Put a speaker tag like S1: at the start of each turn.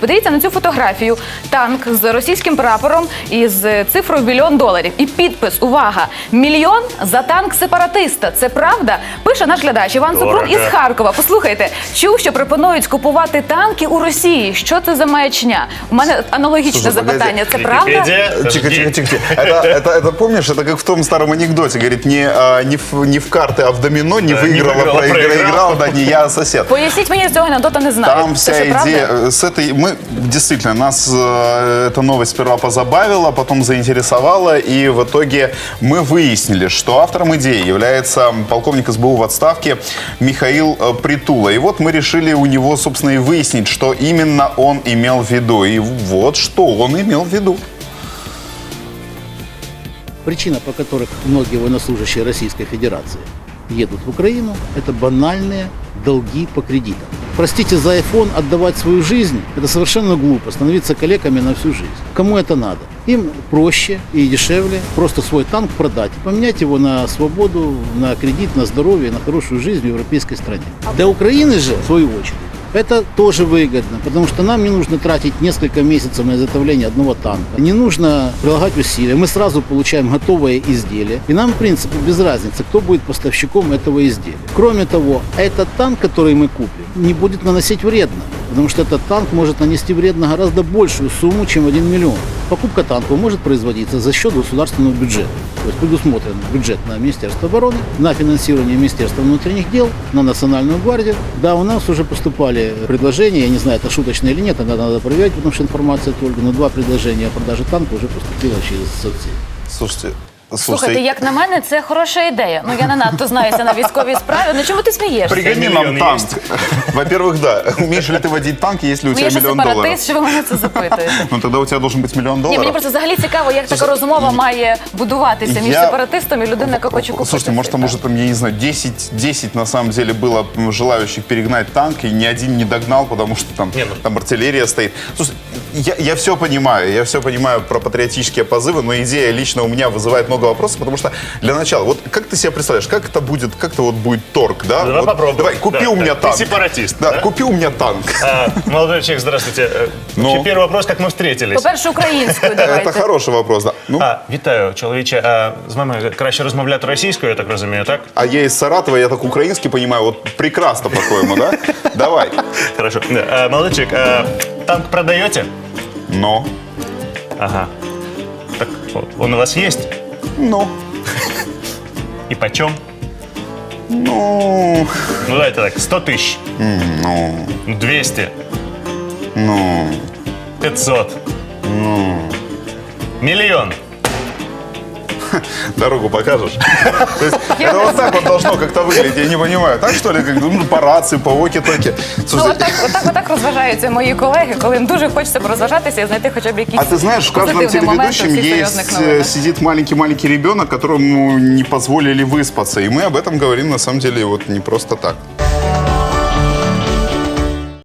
S1: Подивіться на цю фотографію. Танк з російським прапором і з цифрою $1 мільйон. І підпис, увага, мільйон за танк сепаратиста. Це правда? Пише наш глядач Іван Супрун із Харкова. Послухайте, чув, що пропонують купувати танки у Росії. Що це за маячня? У мене аналогічне запитання. Це правда?
S2: Тихо. Это помнишь, это как в том старом анекдоте. Говорит, не в карты, а в домино не выиграл, а проиграл, да, не я, а сосед.
S1: Поясніть мені, цього анекдота не знаю.
S2: Там вся идея, с этой, мы, действительно, нас эта новость сперва позабавила, потом заинтересовала, и в итоге мы выяснили, что автором идеи является полковник СБУ в отставке Михаил Притула. И вот мы решили у него, собственно, и выяснить, что именно он имел в виду. И вот что он имел в виду.
S3: Причина, по которой многие военнослужащие Российской Федерации едут в Украину, это банальные долги по кредитам. Простите, за iPhone отдавать свою жизнь – это совершенно глупо, становиться калеками на всю жизнь. Кому это надо? Им проще и дешевле просто свой танк продать, поменять его на свободу, на кредит, на здоровье, на хорошую жизнь в европейской стране. Для Украины же, в свою очередь, это тоже выгодно, потому что нам не нужно тратить несколько месяцев на изготовление одного танка. Не нужно прилагать усилия. Мы сразу получаем готовое изделие. И нам, в принципе, без разницы, кто будет поставщиком этого изделия. Кроме того, этот танк, который мы купим, не будет наносить вредно. Потому что этот танк может нанести вредно гораздо большую сумму, чем 1 миллион. Покупка танков может производиться за счет государственного бюджета. То есть предусмотрен бюджет на Министерство обороны, на финансирование Министерства внутренних дел, на Национальную гвардию. Да, у нас уже поступали предложения, я не знаю, это шуточное или нет, это надо проверять, потому что информация только, но 2 предложения о продаже танка уже поступило через соцсети.
S1: Слухайте, як на мене, це хороша ідея. Ну, я не надто знаюся на військовій справі. Ну, чому ти смієшся?
S2: Пригони нам танк. Во-первых, да. Умеешь ли ты водить танк, если у тебя $1 миллион?
S1: Я же сепаратист, що ви мене це запитуєте?
S2: Ну, тогда у тебя должен быть $1 миллион.
S1: Ні, мені просто взагалі цікаво, як така розмова має будуватися між сепаратистом і людиною, яка хоче купити.
S2: Слушайте, может, там, я не знаю, 10 на самом деле было желающих перегнать танк, и ни один не догнал, потому что там артиллерия стоит. Слушай, я все понимаю про патриотические позывы, но идея лично у меня вызывает много вопросов, потому что для начала, вот как ты себе представляешь, как это будет торг, да?
S4: Давай попробуем.
S2: Давай, купи у меня танк.
S4: Ты сепаратист.
S2: Да, купи у меня танк.
S4: Молодой человек, здравствуйте. Первый вопрос, как мы встретились?
S1: По-перше, українською давайте.
S2: Это хороший вопрос, да.
S4: Вітаю, чоловіче. З вами краще розмовляти російською, я так розумію, так?
S2: А я из Саратова, я так украинский понимаю, вот прекрасно, по-твоему, да? Давай.
S4: Хорошо. Молодой человек, танк продаете?
S2: Но.
S4: Ага. Так, он у вас есть?
S2: Ну.
S4: И почем?
S2: Ну.
S4: Ну, давайте так, 100 тысяч.
S2: Ну.
S4: 200.
S2: Ну.
S4: 500.
S2: Ну.
S4: Миллион.
S2: Дорогу покажешь? То есть это вот так вот должно как-то выглядеть, я не понимаю. Так что ли, по рации, по воки-токи?
S1: Ну, отак розважаються мої колеги, коли їм дуже хочеться порозважатися і знайти хоча б якісь
S2: А ты знаешь, в каждом
S1: позитивні моменти
S2: телеведущем
S1: в цих серйозних
S2: есть,
S1: новинах.
S2: сидит маленький-маленький ребенок, которому не позволили выспаться. И мы об этом говорим, на самом деле, вот не просто так.